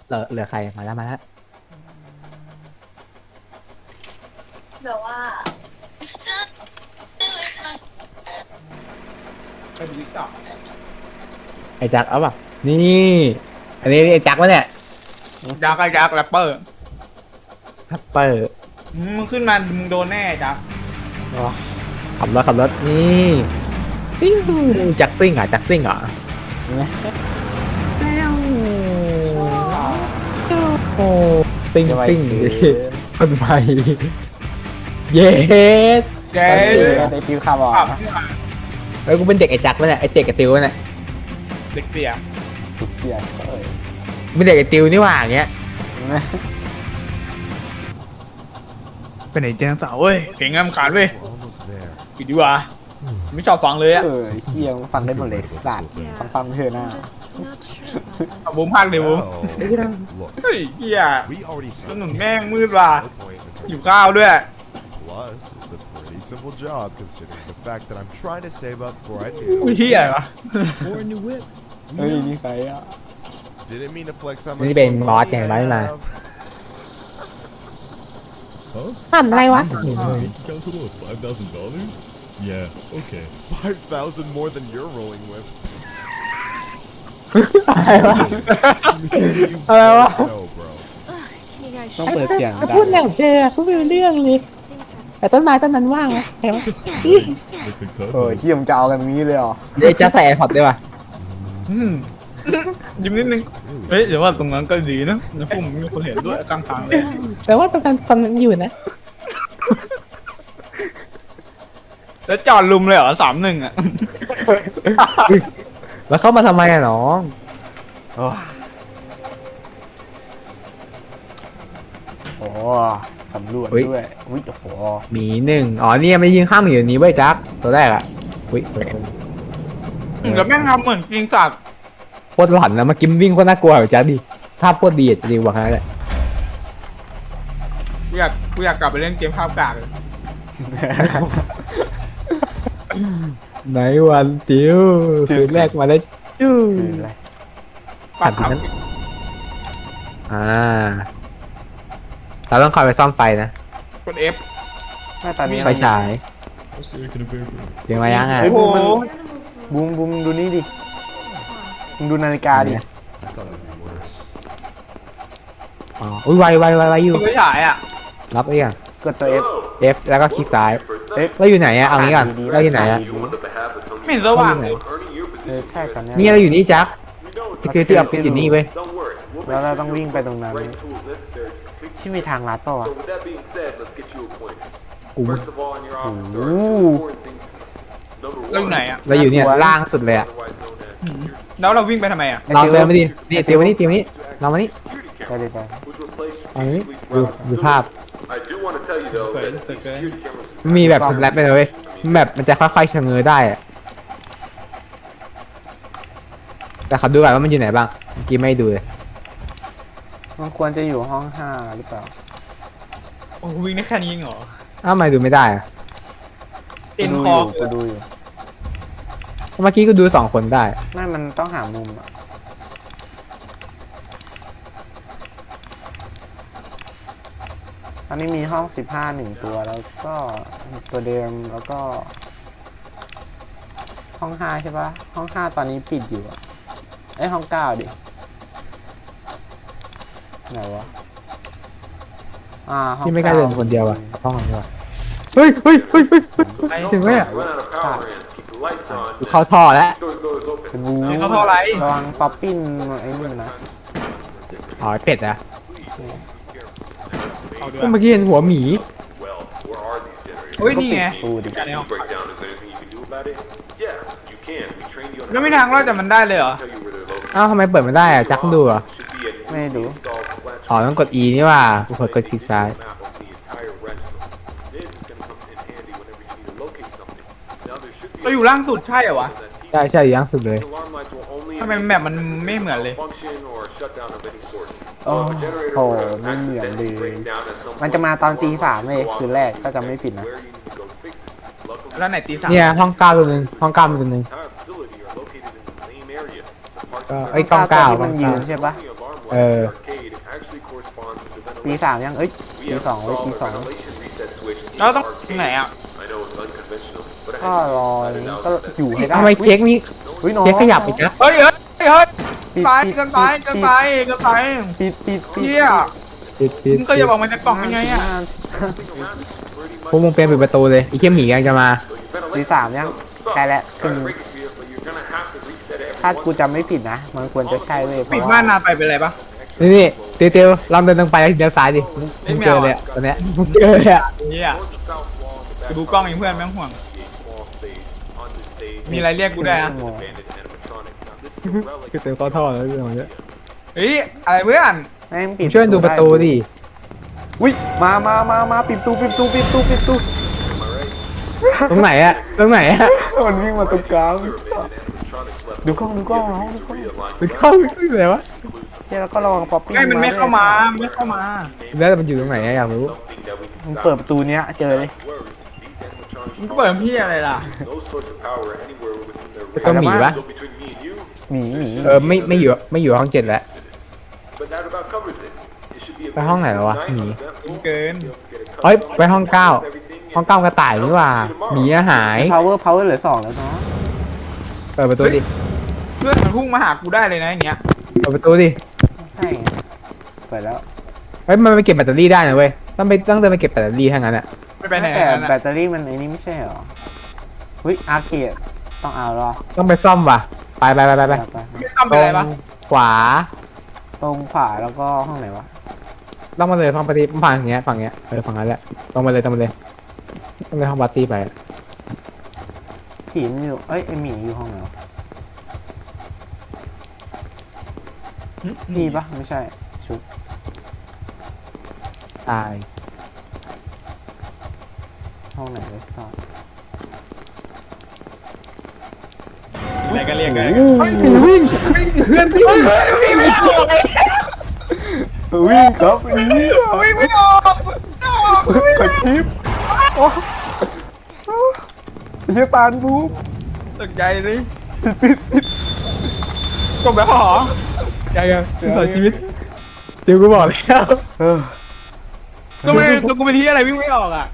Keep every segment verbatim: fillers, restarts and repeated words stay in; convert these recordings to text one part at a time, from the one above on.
เหลือเหลือใครมาแล้วมาแล้วแบบว่าไปดูติ๊กต็อกไอ้จักเอาป่ะนี่อันนี้ไอ้จักวะเนี่ยยักษ์ไอ้ยักษ์แรปเปอร์ฮัปเปอร์มึงขึ้นมามึงโดนแน่ยักษ์ขับรถขับรถนี่ปิ้งจักซิ่งเหรอ่ะจักซิ่งเหรอโอ้ซิ่งซิ่งคนใหม่เย้แกไอ้ติวขับออกขับแล้วกูเป็นเด็กไอ้จักวะเนี่ยไอ้เด็กไอ้ติวเนี่ยเด็กเสียถูกเกียร์เอ้ยเป็นเด็กไอ้ติวนี่หว่าอย่างเงี้ยเป็นไหนเจ้าสาวเว้ยเก่งงามขาดเว้ยปิดดีกว่าไม่ชอบฟังเลยอะเออเฮียมึงฟังได้หมดเลยสัตว์ฟังฟังเธอหน้าเอาบุ้มพักเลยบุ้ม Look, เฮ้ยเฮีย we already ถนน said แม่งมืดว่ะ no point in อยู่ข้าวด้วย Plus, it's a pretty simple job considering the fact that I'm trying to save up for I อุ้ย do. เฮียวะ For a new whip. เฮ้ยนี่ใครอ่ะ Didn't mean to flex on นี่ my เป็น small บอส body ไง and ไว้ I มา have ทำอะไรวะ Count total of five thousand dollars? Yeah, okay. five thousand more than you're rolling with. อะไรวะ You Uh, don't know, bro. ต้องเปิดเสียงดัพูดงแนวเธอพูดไม่รู้เรื่องเลยแต่ต้นไม้ต้นนั้นว่างไหมเห็นไหม Looks like tough. เออเฮียมึงจะเอากันงี้เลยเหรอเดี๋ยวจะใส่แอร์พอร์ตด้วยป่ะอืมยิ้มนิดนึงเฮ้ยเดี๋ยวว่าตรงนั้นก็ดีนะในพวกมึงมีคนเห็นด้วยกลางทางเลยแต่ว่าตอนนั้นตอนนั้นอยู่นะแล้วจอดลุมเลยเหรอสามหนึ่งอะแล้วเข้ามาทำไมอะน้องโอ้โหสำรวจด้วยอุ้ยโอ้โหหมีหนึ่งอ๋อเนี่ยไม่ยิงข้ามหมีอยู่นี้เว้ยจักตัวแรกอะอุ้ยแล้วแม่งทำเหมือนจริงสัตว์โคตรหลอนนะเมากิมวิ่งโคตรน่ากลัวอยู่จักดิภาพโคตรดีอะดีกว่าแค่นั้นแหละกูอยากกูอยากกลับไปเล่นเกมภาพกากเลยไหนวันติวคืนแรกมาแล้วจู้คืออะไรขัดนั้นอ่าเราต้องคอยไปซ่อมไฟนะกด F แม่ตอนนี้ไฟฉาย What's the in a paper? เสียงมายังอ่ะเฮ้ยโอ้บูมโหมันบูมบูมดูนี่ดิมึงดูนาฬิกาดิ I thought it would be worse. อ๋ออุ้ยไวไวไวไวอยู่ไม่ฉายอ่ะรับเรียงกดตัว F F แล้วก็คลิกซ้าย F เราอยู่ไหนอะเอางี้ก่อนเราอยู่ไหนอะไม่เห็นสว่างเลยเออใช่ตอนนี้นี่เราอยู่นี่จัก security office อยู่นี่เว้ยแล้วเราต้องวิ่งไปตรงนั้นที่มีทางลัดเปล่าวะอู้โอ้โหเราอยู่ไหนอ่ะเราอยู่เนี่ยล่างสุดเลยอะแล้วเราวิ่งไปทำไมอ่ะลองเดินมาดินี่เตียวมานี่เตียวมานี่ลองมานี่ไปเลยไปเอามานี่ดูดูภาพเกินเกินเกินมีแบบสแลปไปเลยเว้ยแบบมันจะค่อยๆชะเง้อได้อะแต่ขับดูก่อนว่ามันอยู่ไหนบ้างเมื่อกี้ไม่ดูเลยมันควรจะอยู่ห้องห้าหรือเปล่าโอ้โหวิ่งได้แค่นี้เองเหรออ้าวทำไมดูไม่ได้อะเอ็นกูคดูออยู่กูดูอยู่เมื่อกี้ก็ดูสองคนได้ไม่มันต้องหามุมอ่ะตอนนี้มีห้องสิบห้าหนึ่งตัวแล้วก็ตัวเดิมแล้วก็ ห้องห้าใช่ปะห้องห้าตอนนี้ปิดอยู่อะไอยห้องเก้าดิไหนวะอ่าห้องที่ไม่กล้าเดินคนเดียวอะห้องนี้วะเฮ้ยเฮ้ยเฮ้ยเฮ้ยถึงไหมอะเข้าท่อแล้วเป็นบูเขาเท่าไรระวังป๊อปปิ้นไอ้นี่มันนะอ๋อเป็ดอะเอาด้วยเมื่อกี้เห็นหัวหมีเฮ้ยนี่ไงตูดิการในห้องแล้วไม่ทางรอดจากมันได้เลยเหรออ้าวทำไมเปิดไม่ได้อะจักดูเหรอไม่ได้ดูอ๋อต้องกด E นี่ว่ากูกดกดคลิกซ้ายเราอยู่ล่างสุดใช่เหรอวะใช่ใช่อย่างสุดเลยทำไมแมปมันไม่เหมือนเลยโอ้โหไม่เหมือนเลยมันจะมาตอนตีสามเลยคืนแรกก็จะไม่ผิดนะแล้วไหนตีสามเนี่ยห้องเก้าตัวหนึ่งห้องเก้ามีตัวหนึ่งก็ไอ้ยกล้องเก้าที่มันยืนใช่ปะเออปีสามยังเอ้ยปีสองเว้ยปีสองแล้วต้องไหนอ่ะก็รอนี้ก็อยู่ให้ได้ทำไมเค้กนี้เฮ้ยน้องเค้กขยับอีกนะเฮ้ยเฮ้ยเฮ้ยปิดไปปิดเกันไปปิดเกันไปเกันไปปิดปิดปิดเฮียปิดปิดมึงก็อย่าบอกมันจะกล่องยังไงอ่ะพวกมึงเป็นปิดประตูเลยไอ้เขี้ยหมีกำลังจะมาปีสามยังใกล้แล้วคือถ้ากูจำไม่ผิดนะ มันควรจะใช่เว้ยเพปิดราะบ้าว่านนาไปเป็นไรปะนี่นี่เตียวเตียวลองเดินตรงไปแล้วเดี๋ยวซ้ายดิมึงมึงเจอเลยอะตอนเนี้ยมึงเจอเลยอะเฮียกูดูกล้องอย่างเพื่อนไม่ต้องห่วง มีอะไรเรียกกูได้อะคือเต็มข้อท่อแล้วเรื่องของเนี้ยเฮ้ยอะไรเพื่อนแม่งมึปิดงช่วยดูประตูดิอุ้ยมามามามาปิดประตูปิดประตูปิดประตูปิดประตูตรงไหนอะตรงไหนอะมันวิ่งมาตรงกลางดูกล้องดูกล้องน้องดูกล้องมึงเข้าไปไหนวะเฮ้ยแล้วก็ระวังป๊อปปี้ไม่มันไม่เข้ามามันไม่เข้ามาแล้วมันอยู่ตรงไหนอะอยากรู้มึงเปิดประตูเนี้ยเจอเลยมึงก็เปิดพี่อะไรล่ะต้องหมีปะหนีหนีเออไม่ไม่อยู่ไม่อยู่ห้องเจ็ดแล้วไปห้องไหนแล้ววะหมีเกินเอ้ยไปห้องเก้าห้องเก้ากระต่ายนี่หว่าหมีอะหายพาวเวอร์พาวเวอร์เหลือสองแล้วเนาะเปิดประตูดิเพื่อนมันพุ่งมาหากูได้เลยนะอย่างเงี้ยเปิดประตูดิใช่เปิดแล้วเฮ้ยมันไปเก็บแบตเตอรี่ได้นะเว้ยต้องไปต้องเดินไปเก็บแบตเตอรี่ทั้งนั้นอะไม่ไปไหนแต่กันแบนะตเตอรี่มันไอ้นี่ไม่ใช่เหรอวิอาร์เคดต้องเอาหรอต้องไปซ่อมว่ะไปไปไปไปไปไปไม่ซ่อมตไปรอะไรปะงขวาตรงขวาแล้วก็ห้องไหนวะต้องมาเลยห้องปาร์ตี้ฝั่งอย่างเงี้ยฝั่งเงี้ยเออฝั่งนั้นแหละต้องมาเลยต้องมาเลยต้องไปห้องปาร์ตี้ไปผีมันอยู่เอ้ยไอหมีอยู่ห้องไหนวะพี่ปะไม่ใช่ชุดตายห้องไหนเลยซ่อนอะไรก็เรียกกันวิ่งวิ่งเพื่อนวิ่งวิ่งไม่ออกเลยวิ่งครับอีวิ่งไม่ออกกดคลิปโอ้ยตาลบูมตกใจเลยจบแล้วเหรอยังยังสอนชีวิตเดี๋ยวกูบอกแล้วเออก็ไม่ตัวกูไปที่อะไรวิ่งไม่ออกอ่ะ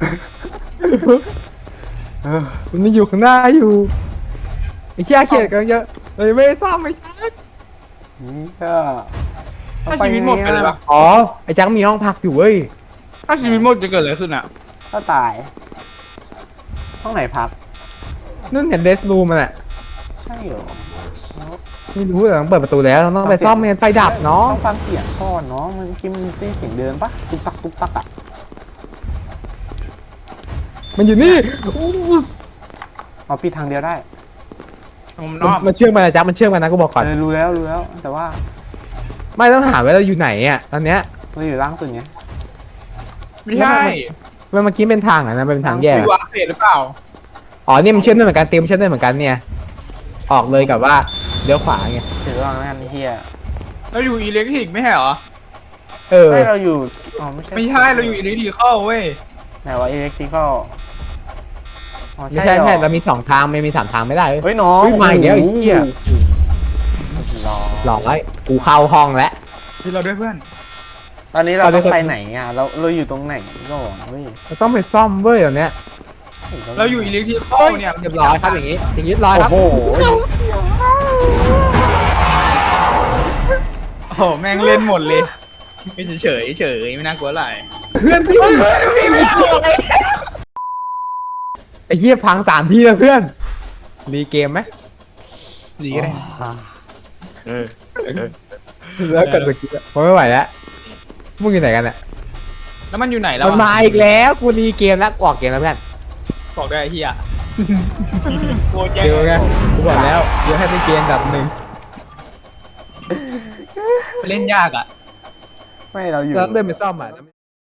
เออมันมีอยู่ข้างหน้าอยู่ไอ้เชี่ยเขียดกันเยอะเลยไม่ได้ซ่อมไม่ใช่นี่ก็ถ้าชีวิตหมดไปเลยปะอ๋อไอ้จังมีห้องพักอยู่เว้ยถ้าชีวิตหมดจะเกิดอะไรขึ้นอ่ะก็ตาย ห้องไหนพักนั่นเห็นเดสรูมันอะใช่เหรอไม่รู้แต่ต้องเปิดประตูแล้วต้องไปซ่อมเมนไฟดับเนาะต้องฟังเสียงก่อนเนาะมันกินมันได้เสียงเดินปะตุ๊กตักตุ๊กตักอ่ะมันอยู่นี่เอาปิดทางเดียวได้ผมนอกมันเชื่อมมานะจ๊ะมันเชื่อมมานะกูบอกก่อนเออรู้แล้วรู้แล้ว แต่ว่าไม่ต้องถามว่าเราอยู่ไหนอ่ะตอนเนี้ยเราอยู่ล่างสุดไงไม่ใช่มันเมื่อกี้เป็นทางอ่ะนะเป็นทางแยกดูอาเฟดหรือเปล่าอ๋อเนี่ยมันเชื่อมได้เหมือนกันเต็มเชื่อมได้เหมือนกันเนี่ยออกเลยกับว่าเลี้ยวขวาไงถือว่างั้นไอ้เฮียเราอยู่อิเล็กทริกไม่ใช่เหรอเออไม่เราอยู่อ๋อไม่ใช่ไม่ใช่เราอยู่อิเล็กทริกเข้าเว้ยไหนว่าอิเล็กทริคอลอ๋อไม่ใช่ใช่เหรอใช่เรามีสองทางไม่มีสามทางไม่ได้เว้ยเฮ้ยน้องเฮ้ยมาอีกแล้วไอ้เหี้ยรอหลอกไว้กูเข้าห้องแล้วที่เราด้วยเพื่อนตอนนี้เราเอาเลต้ยองไปไหนอ่ะเราเราอยู่ตรงไหนก่อนเว้ยเราต้องไปซ่อมเว้ยตอนเนี้ยเราอยู่อิเล็กทริกเข้าเนี่ยเรียบร้อยครับอย่างงี้อย่างนี้ร้อยครับโอ้โหโอ้โหแม่งเล่นหมดเลยไม่เฉยเฉยเฉยไม่น่ากลัวอะไรเพื่อนพี่ไอ้เหี้ยพังสามทีแล้วเพื่อนรีเกมไหมดีก็ได้เออแล้วกันเมื่อกี้อะผมไม่ไหวแล้วมึงอยู่ไหนกันอ่ะแล้วมันอยู่ไหนแล้วมันมาอีกแล้วกูรีเกมแล้วออกเกมแล้วเพื่อนบอกได้ไอ้เฮียโคตรแย่เจอไงกูบอกแล้วเดี๋ยวให้ไปเกมดับหนึ่งเล่นยากอ่ะไม่เราอยู่แล้วเดินไปซ่อมอ่ะ